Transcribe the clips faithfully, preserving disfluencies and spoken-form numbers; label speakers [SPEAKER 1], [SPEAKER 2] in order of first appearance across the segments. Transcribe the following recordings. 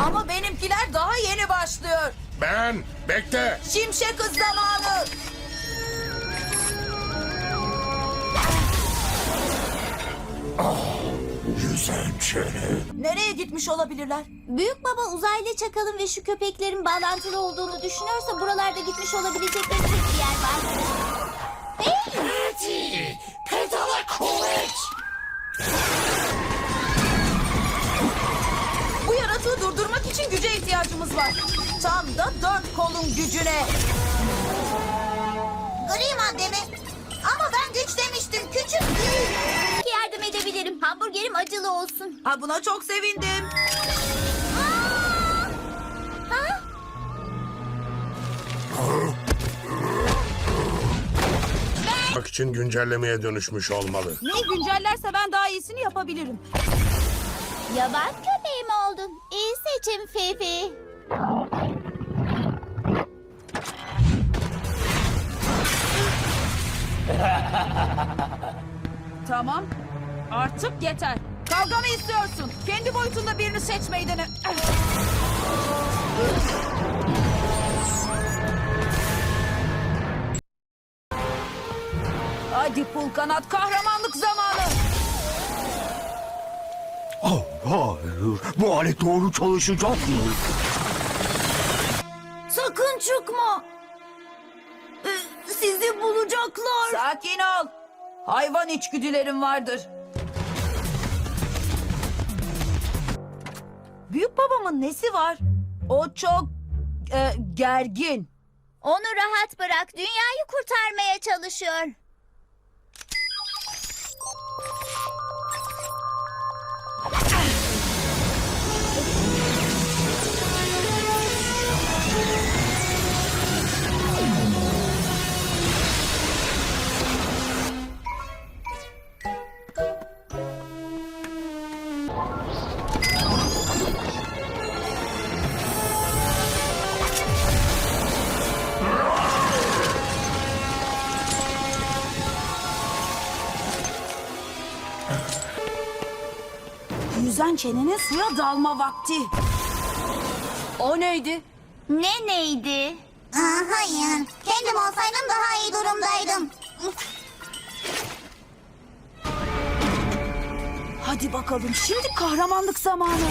[SPEAKER 1] Ama benimkiler daha yeni başlıyor.
[SPEAKER 2] Ben, bekle.
[SPEAKER 1] Şimşek hız zamanı.
[SPEAKER 2] Yüzen çene.
[SPEAKER 1] Nereye gitmiş olabilirler?
[SPEAKER 3] Büyük baba uzaylı çakalın ve şu köpeklerin bağlantılı olduğunu düşünüyorsa buralarda gitmiş olabilecekleri tek bir yer var.
[SPEAKER 2] Hadi, pedala kuvvet.
[SPEAKER 1] Bu yaratığı durdurmak için güce ihtiyacımız var. Tam da dört kolun gücüne.
[SPEAKER 3] Gri madde mi? Ama ben güç demiştim, küçük değil. Belki yardım edebilirim. Hamburgerim acılı olsun.
[SPEAKER 1] Ha, buna çok sevindim.
[SPEAKER 3] Ha?
[SPEAKER 2] Bak için güncellemeye dönüşmüş olmalı.
[SPEAKER 1] Neyi güncellerse ben daha iyisini yapabilirim.
[SPEAKER 3] Yaban köpeği mi oldun? İyi seçim Fifi.
[SPEAKER 1] Tamam. Artık yeter. Kavga mı istiyorsun? Kendi boyutunda birini seçmeyi dene. Hadi pul kanat, kahramanlık zamanı.
[SPEAKER 4] Oh, hayır. Bu alet doğru çalışacak mı?
[SPEAKER 3] Sakın çıkma. Ee, Sizi bulacaklar.
[SPEAKER 1] Sakin ol. Hayvan içgüdülerim vardır. Büyük babamın nesi var? O çok e, gergin.
[SPEAKER 3] Onu rahat bırak. Dünyayı kurtarmaya çalışıyor.
[SPEAKER 1] Yüzen çenenin suya dalma vakti. O neydi?
[SPEAKER 3] Ne neydi? Aa, hayır. Kendim olsaydım daha iyi durumdaydım.
[SPEAKER 1] Hadi bakalım, şimdi kahramanlık zamanı.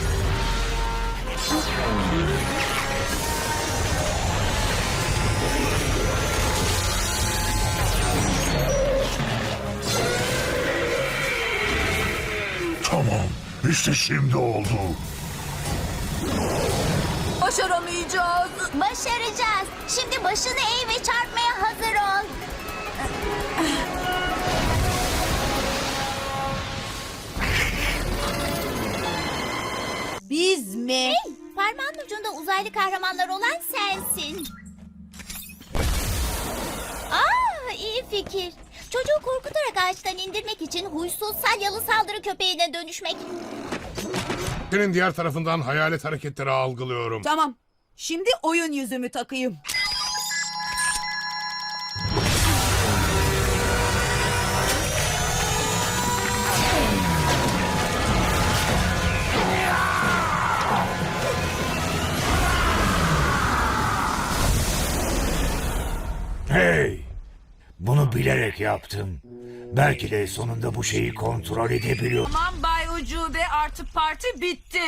[SPEAKER 2] Tamam, işte şimdi oldu.
[SPEAKER 1] Başaramayacağız.
[SPEAKER 3] Başaracağız. Şimdi başını eğ ve çarpmaya hazır ol.
[SPEAKER 1] Biz mi?
[SPEAKER 3] Hey, parmağın ucunda uzaylı kahramanlar olan sensin. Aa, iyi fikir. Çocuğu korkutarak ağaçtan indirmek için huysuz salyalı saldırı köpeğine dönüşmek.
[SPEAKER 2] Senin diğer tarafından hayalet hareketleri algılıyorum.
[SPEAKER 1] Tamam. Şimdi oyun yüzümü takayım.
[SPEAKER 4] Hey! Bunu bilerek yaptım. Belki de sonunda bu şeyi kontrol edebiliyorum.
[SPEAKER 1] Tamam Bay Ucube, artık parti bitti.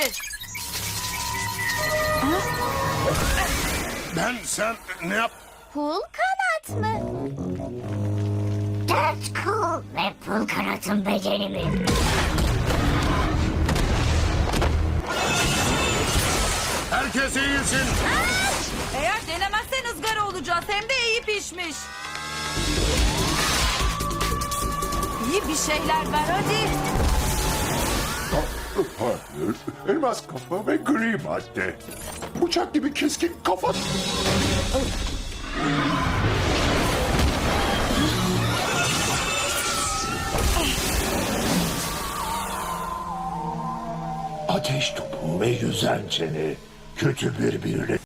[SPEAKER 2] Ben, sen ne yap?
[SPEAKER 3] Pul kanat mı? Dört kol ve pul kanatın becerimi.
[SPEAKER 2] Herkes eğilsin.
[SPEAKER 1] Eğer denemezsen ızgara olacağız, hem de iyi pişmiş. İyi bir şeyler ver hadi.
[SPEAKER 5] Hayır, elmas kafa ve gri madde. Bıçak gibi keskin kafa.
[SPEAKER 4] Ateş topu ve yüzen çene kötü bir birle